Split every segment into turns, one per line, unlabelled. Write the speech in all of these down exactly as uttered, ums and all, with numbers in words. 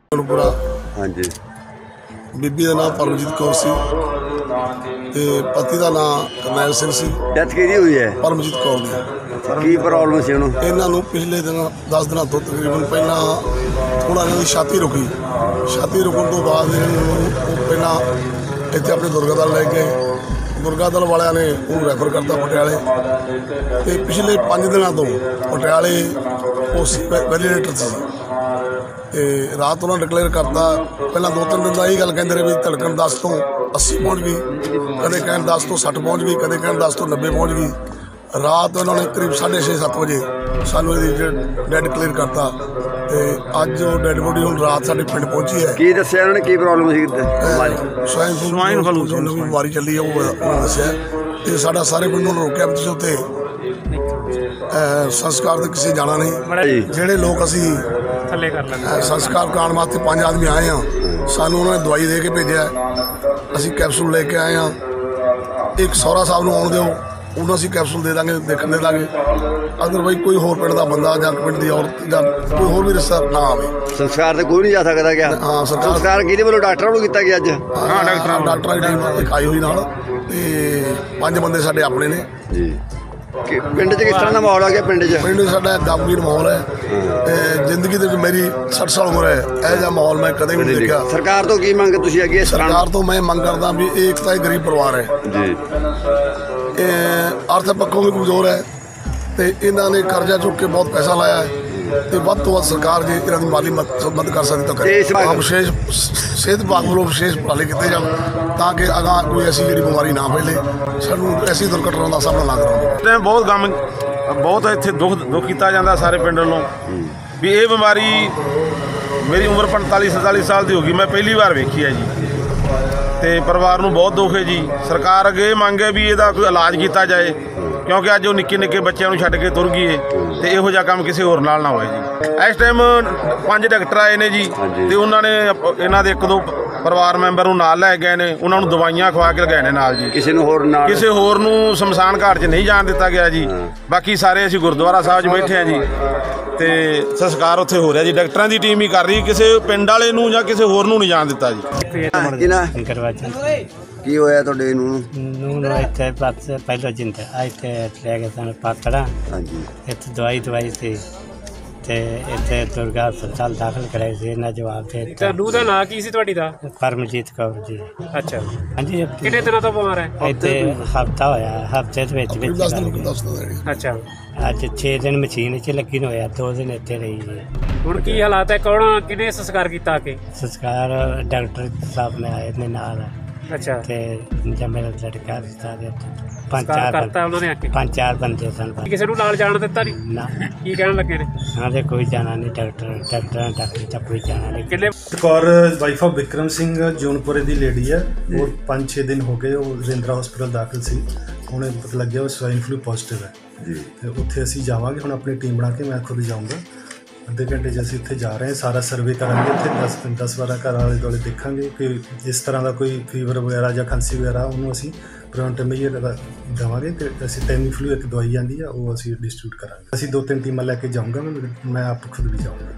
हाँ जी। बीबी का नाम परमजीत कौर सी ते पति का नाम करनैल सिंह सी।
डेथ किहदी हुई है?
परमजीत कौर दी।
की प्रॉब्लम सी उन्होंने?
इन्हों पिछले दिन दस दिन तो तकरीबन पहला थोड़ा इन्हों की छाती रुकी। छाती रुकन तो बाद पहला इतने अपने दुर्गा दल ले गए। दुर्गा दल वाले ने उन्होंने रैफर करता पटियाले। तो पिछले पाँच दिनों तो पटियाले उस वैलीडेटर से ते रात उन्होंने डिकलेयर करता। पहला दो तीन दिन का यही गल कहते रहे भी धड़कन दस तो अस्सी पहुँच गई, कदे कहन दस तो सठ पहुँच गई, कदे कहन दस तो नब्बे पहुँच गई। रात उन्होंने करीब साढ़े छे सत्त बजे सानू डेड डिकलेयर करता। ते अज जो डेड बॉडी हम रात साढ़े पिंड पहुंची है।
की दस्सिया उन्होंने की प्रॉब्लम सी?
स्वाइन स्वाइन फ्लू जो नवी बीमारी चली है वो उन्होंने दस्सिया। ते साडा सारे पिंड नूं रोकिया भी तुसीं उत्ते संस्कार तो किसी जाना नहीं। जेडे लोग असी संस्कार कराने वास्ते पांच आदमी आए हैं, सानू उन्होंने दवाई दे के भेजा। असी कैप्सूल लेके आए हैं। एक सौरा साहब नूं आउण दिओ, उन्होंने असी कैप्सूल दे देंगे, देखने दे देंगे। अदरवाइज कोई होर पिंड का बंदा जां पिंड की औरत जां कोई होर भी रिश्ता ना आवे।
संस्कार तो कोई नहीं जा सकता क्या? हाँ, संस्कार किहदे वल्लों डॉक्टरों नूं कीता गया अज?
हाँ, डॉक्टर डॉक्टरां दी टीम एक आई हुई नाल ते पंज बंदे साडे अपने ने जी।
पिंड च किस तरह का माहौल आ गया? पिंड च
पिंड साडा गमगीन माहौल है। जिंदगी दे मेरी सठ साल उम्र है, यह जिहा माहौल मैं कदे भी नहीं देखा।
सरकार तो की मंग तुसीं अगे?
सरकार तो मैं मंग करदा भी एक तो गरीब परिवार है जी, आर्थिक पक्षों भी कमजोर है तो इन्होंने कर्जा चुक के बहुत पैसा लाया है। तो वध तो वध सरकार जी इन्हों की माली मदद कर सकती तो करे। विशेष सेहत विभाग वालों विशेष उपाले किए जाए ताकि अगह कोई ऐसी जी बीमारी ना फैले, सानू ऐसी दुर्घटना का सामना ना करना।
बहुत गम बहुत इत्थे दुख दुख किया जाता सारे पिंड वालों भी ये बीमारी मेरी उम्र पैंताली सैंताली साल की होगी, मैं पहली बार वेखी है जी। तो परिवार को बहुत दुख है जी। सरकार अगे मंग है भी इसका कोई इलाज किया जाए क्योंकि अज वो निक्के निक्के बच्चों छड्ड के तुर गए तो इहो जिहा काम किसी होर नाल ना होए जी। इस टाइम पांच डॉक्टर आए ने जी तो उन्होंने इन्हां दे एक दो परिवार मैंबर नूं नाल लै गए ने, उन्होंने दवाइयां खवा के लगाए ने नाल जी।
किसी नूं होर नाल
किसी होर नूं शमशान घाट च नहीं जाण दिता गया जी। बाकी सारे असीं गुरुद्वारा साहब च बैठे हैं जी ते संस्कार उत्थे हो रहा जी। डॉक्टरां दी टीम ही कर रही, किसी पिंड वाले नूं जां किसी होर नूं नहीं जाण दिता जी।
की होया तुहाडे नूं
नूं नूं इत्थे बस पहले जिंदा इत्थे ले गए सन पातड़ा। हाँ जी। इत्थे दवाई दवाई सी ते इत्थे दुर्गा हस्पताल दाखल कराए सी। इन्हां जवाब दे दित्ता।
नूं दा नाम की सी तुहाडी दा?
परमजीत कौर जी।
अच्छा
हाँ जी।
कितने दिनों तो बीमार है?
इत्थे हफ्ता होया, हफ्ते दे विच विच।
अच्छा
अज छे दिन मशीन च लगी होया, दो दिन इत्थे रही जी।
हुण की हालात है? कौन किने संस्कार कीता आके?
संस्कार डॉक्टर साहब ने आए ने नाल।
अच्छा
ते जब मेरा लड़का रिश्ता दे पांच चार
करता उन्होंने आके?
पांच चार बंदे सन।
किसी को नाल जान दिता नहीं
ना?
की कहन लगे ने?
हाँ दे कोई जाना नहीं, डॉक्टर डॉक्टर डॉक्टर तक कोई जाना नहीं।
किन्ने
कौर वाइफ ऑफ विक्रम सिंह जूनपुरे की लेडी है। वो पाँच छे दिन हो गए वो रजिंद्रा हॉस्पिटल दाखिल सी। उन्हें पता लग गया वो स्वाइन फ्लू पॉजिटिव है जी। उत्थे असीं जावांगे, हुण अपनी टीम बना के मैं खुद जाऊँगा। अद्धे घंटे च असीं उत्थे जा रहे हैं, सारा सर्वे करांगे। उत्थे दस दस बारह घर आले दुआले देखांगे कि इस तरह का कोई फीवर वगैरह या खांसी वगैरह उन्होंने असीं प्रिवेंटिव मेजर देवांगे। तो असीं टैमी फ्लू एक दवाई आती है वो असीं डिस्ट्रीब्यूट करांगे। असीं दो तीन टीमां लैके जाऊँगा, मैं मैं आप खुद भी जाऊँगा।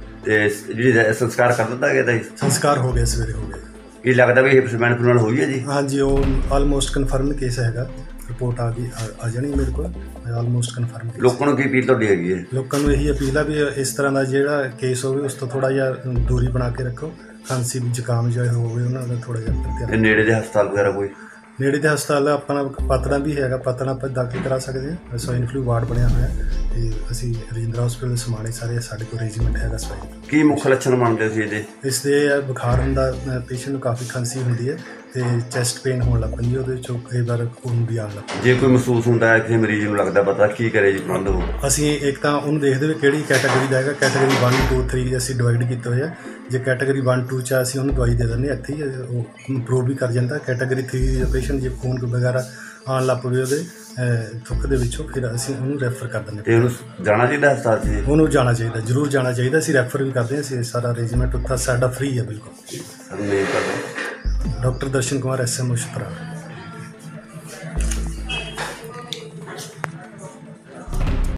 संस्कार कर दिता गया?
संस्कार हो गया, सवेरे हो गया।
की लगता भी स्वाइन फ्लू नाल होई है जी? हाँ
जी, वो ऑलमोस्ट कन्फर्म केस हैगा। रिपोर्ट आ गई आ जानी मेरे को, ऑलमोस्ट कन्फर्म।
लोगों को की अपील तुहाडी हैगी है?
लोगों को यही अपील है भी इस तरह का जिहड़ा केस होवे उस तो थोड़ा जिहा दूरी बना के रखो। खांसी जुकाम जो होवे उन्हां दा थोड़ा जिहा ध्यान।
नेड़े दे हस्पताल वगैरह कोई?
नेड़े दे हस्पताल अपना पातड़ा भी हैगा, पातड़ा पर दाखिल करा सकते हैं। स्वाइन फ्लू वार्ड बनया होया ते असीं रजिंद्रा हॉस्पिटल समाणे सारे साडे कोल रेजिमेंट हैगा स्वाइन।
की मुख लक्षण मनदे सी इहदे?
इसदे बुखार हुंदा, पेशेंट नूं काफ़ी खांसी हुंदी है ते चैसट पेन होण लग पैंदी, उहदे चों कई बार खून भी आउण लग पैंदा।
जे कोई महसूस हुंदा है कि मरीज नूं लगदा पता की करे जी प्रबंध हो?
असीं एक तां उहनूं देखदे भी किहड़ी कैटेगरी दा हैगा। कैटेगरी वन टू थ्री असीं डिवाइड कीते होए आ। जे कैटेगरी वन टू च असीं उहनूं दवाई दे दिंदे इत्थे ही इंप्रूव भी कर जांदा। कैटेगरी थ्री दा पेशेंट जे खून वगैरह आउण लग पवे उहदे थुੱਕ ਦੇ ਵਿੱਚੋਂ ਫਿਰ ਅਸੀਂ ਉਹਨੂੰ ਰੈਫਰ ਕਰ ਦਿੰਦੇ।
ਤੇ ਉਹਨੂੰ ਜਾਣਾ ਚਾਹੀਦਾ ਹਸਪਤਾਲ 'ਚ?
ਉਹਨੂੰ ਜਾਣਾ ਚਾਹੀਦਾ, ਜ਼ਰੂਰ ਜਾਣਾ ਚਾਹੀਦਾ। ਅਸੀਂ ਰੈਫਰ ਵੀ ਕਰਦੇ ਹਾਂ। ਅਸੀਂ ਸਾਰਾ ਅਰੇਂਜਮੈਂਟ ਉੱਥੇ ਸਾਡਾ ਫ੍ਰੀ ਹੈ ਬਿਲਕੁਲ।
Doctor
Darshan Kumar S M O ਸ਼ੁਤਰਾ।